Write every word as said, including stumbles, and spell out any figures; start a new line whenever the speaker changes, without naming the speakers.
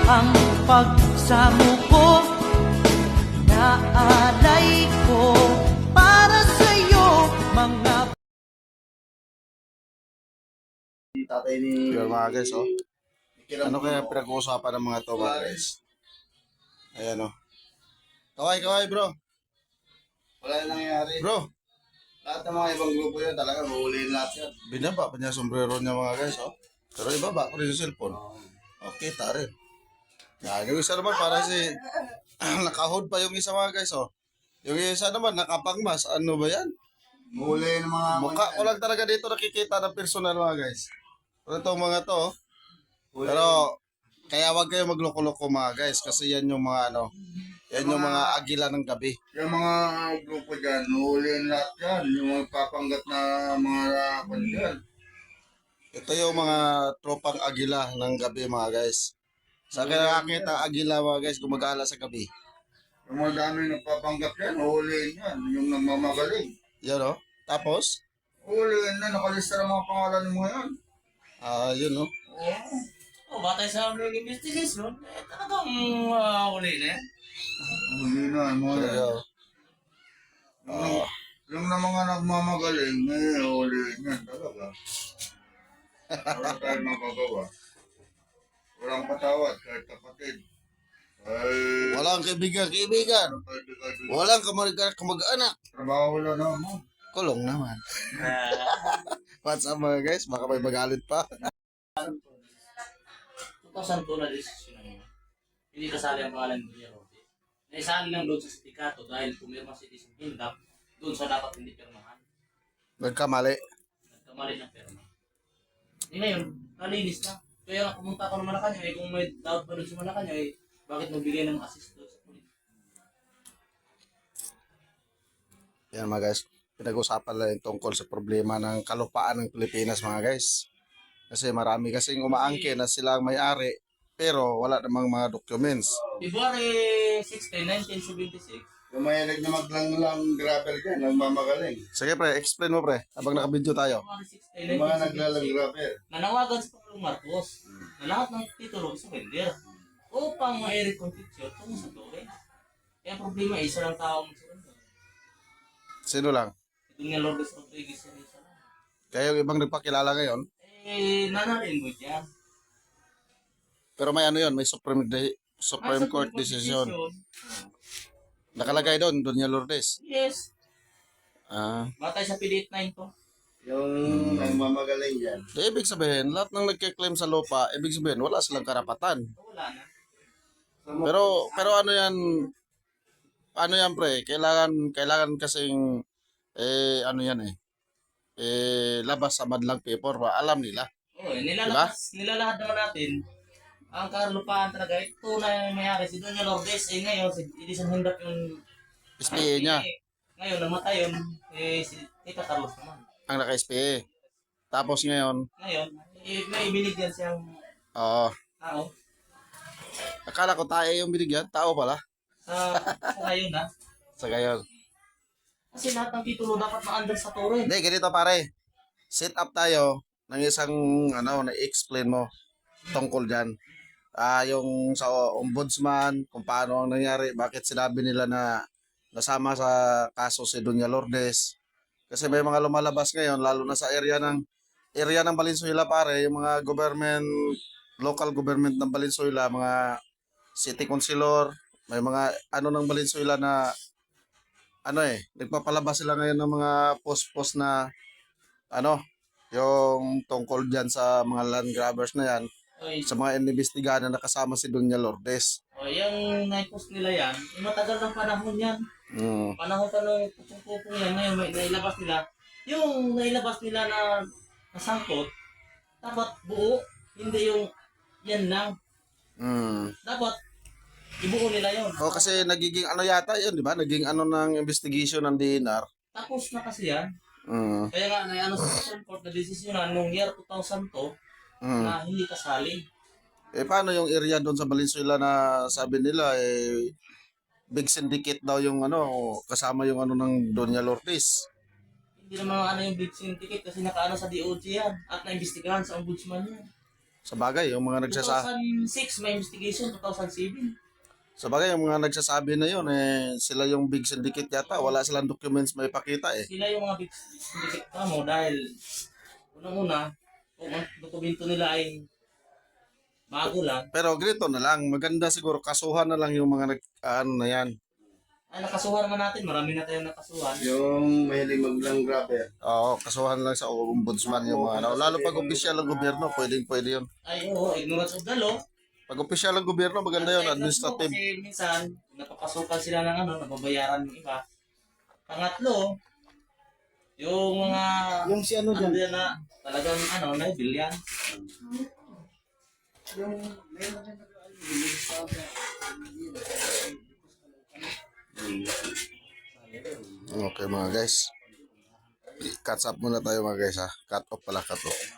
ang pagsamo ko, naalay ko para sa'yo mga
Tatay ni...
Yun mga guys, oh.
Kiram
Ano kaya
ko.
pinag-uusapan ng mga to mga guys? Ayan, oh. Kaway, kaway bro.
Wala na nangyayari.
Bro,
Lahat ng mga ibang grupo yan talaga, mahuliin lahat yan.
binaba pa niya sombrero niya mga guys, oh. Pero ibaba ko rin yung cellphone. Okay, tari. Yan, yung isa naman para si... nakahod pa yung isa mga guys, oh. Yung isa naman, nakapangmas. Ano ba yan?
Mahuliin ng mga...
Mukha ko lang talaga dito nakikita ng personal mga guys. Pero itong mga to, oh. Pero, kaya wag kayo magloko-loko mga guys. Kasi yan yung mga ano, yan yung mga agila ng gabi.
Yung mga grupo dyan, mahuliin lahat yan. Yung mga papanggap na mga kwan dyan.
Ito yung mga tropang agila ng gabi mga guys. Sa akin nakakita ang agila mga guys, gumagala sa gabi.
Yung mga dami nagpapanggap yan, mahuliin yan. Yung nagmamagaling.
Yan o. Tapos,
Mahuliin na, nakalista ng mga pangalan ng mga yan.
ah yun o.
Oo.
Oh, batay sa aming investigation, eh, talagang uh, uli na yan.
Huli na, yung mga yan.
Kaya,
Yung, yung na mga nagmamagaling, eh, huliin yan talaga. Wala tayong magagawa. Walang patawad, kahit kapatid. Ay,
walang kaibigan, kaibigan.
kaibigan.
Walang kamag- kamag-anak.
Trabaho wala naman.
Kulong naman.
Uh,
What's up mga guys? Baka may magalit pa.
two thousand two na desisyon na yun. Hindi kasali ang pangalan ni Kuya Roque. Naisali lang doon sa sindikato dahil pumirma si Disney Hindap doon sa dapat hindi pirmahan.
Nagkamali.
Nagkamali ng pirma. Eh ngayon, nalinis na. Kaya nga pumunta ako ng Malacanang, eh kung may doubt pa doon sa Malacanang, eh bakit magbigay ng assist doon sa pulis?
Yan mga guys. Pinag-usapan lang yung tungkol sa problema ng kalupaan ng Pilipinas mga guys. Kasi marami kasing umaangke na sila ang may-ari pero wala namang mga documents.
February sixteen, nineteen seventy-six,
Yung mayalag na maglang-lang grabber dyan, nagmamagaling.
Sige pre, explain mo pre. Habang nakabidyo tayo.
February sixteen,
Yung mga
nineteen
naglalang
seventy-six,
grabber.
nanawagan sa Pangulong Marcos na lahat ng titulo sa vender upang ma-eric conviction tungo sa Torre. Kaya ang problema, isa lang tao ang surrender.
Sino lang?
Ito nga Lourdes Rodriguez yan isa lang.
Kaya yung ibang nagpakilala ngayon.
Eh, nanarin mo dyan.
Pero may ano yun, may Supreme, de- Supreme Court decision. Nakalagay doon, Doña Lourdes.
Yes.
Ah,
Batay sa P D eighty-nine to.
Yung nagmamagaling dyan.
di ibig sabihin, lahat ng nagkiklaim sa lupa, ibig sabihin, wala silang karapatan.
Wala na.
Pero, pero ano yan, ano yan pre, kailangan, kailangan kasing, eh, ano yan eh, eh, labas sa madlang paper ba, alam nila.
Oo, eh, nilalabas, nilalahad naman natin. Ang karlupaan talaga, ito na yung mayari. Si Doña Lourdes, eh ngayon, si Edison Hindap yung
S P A niya,
Eh, ngayon, namatay yun. Eh, si Tita Carlos naman.
ang naka-S P A. Tapos ngayon,
Ngayon, eh, may binigyan siyang
oo,
tao.
akala ko tayo yung binigyan, tao pala.
Sa, sa ngayon na.
Sa gayon.
Kasi lahat ng titulo dapat ma-under sa Torre.
Hindi, ganito pare. Set up tayo ng isang, ano, na-explain mo tungkol dyan. Ah, yung sa ombudsman, kung paano ang nangyari, bakit sinabi nila na nasama sa kaso si Doña Lourdes. Kasi may mga lumalabas ngayon, lalo na sa area ng area ng Valenzuela pare, yung mga government, local government ng Valenzuela, mga city councilor, may mga ano ng Valenzuela na ano eh, nagpapalabas sila ngayon ng mga post-post na ano, yung tungkol dyan sa mga land grabbers na yan,
Oy,
sa mga inimbestigahan na nakasama si Doña Lourdes.
o, yung na-post nila yan, eh, matagal ng panahon yan.
Mm.
Panahon pa nung pupong-pupong yan. Ngayon, may nailabas nila. Yung nailabas nila na nasangkot, dapat buo. Hindi yung yan lang.
Mm.
Dapat ibuo nila yun.
O kasi nagiging ano yata yun, di ba? Naging ano ng investigation ng D N R.
Tapos na kasi yan.
Mm.
Kaya nga, na ano sa Supreme Court na desisyonan nung year two thousand two
Mm.
na hindi kasali.
Eh paano yung area doon sa Valenzuela na sabi nila eh big syndicate daw yung ano kasama yung ano ng Doña Lourdes.
Hindi naman ano yung big syndicate kasi nakaano sa D O J yan at naimbestigahan sa ombudsman yan.
Sa bagay, yung mga nagsasa
two thousand six may investigation, two thousand seven.
sa bagay, yung mga nagsasabi na yun, eh, sila yung big syndicate yata. Wala silang documents may pakita eh.
Sila yung mga big syndicate ka mo dahil unang-una, kung ang dokumento nila ay bago lang,
Pero ganito na lang, maganda siguro kasuhan na lang yung mga nag, ano na yan.
ay nakasuhan naman natin, marami na tayong nakasuhan.
Yung mahilig maglang grabber.
Oo, kasuhan lang sa ombudsman yung mga ano. Lalo pag opisyal ng gobyerno, pwedeng pwede yun.
Ay oo, ignorance of the law.
Pag opisyal ng gobyerno, maganda yun, administrative.
Kasi minsan, napapasukan sila ng ano, nababayaran yung iba. Pangatlo, yung mga
Yung si ano dyan.
andyan na talagang ano, naibil yan.
Okay mga guys. Catch up muna tayo mga guys ha. Cut off pala, cut off.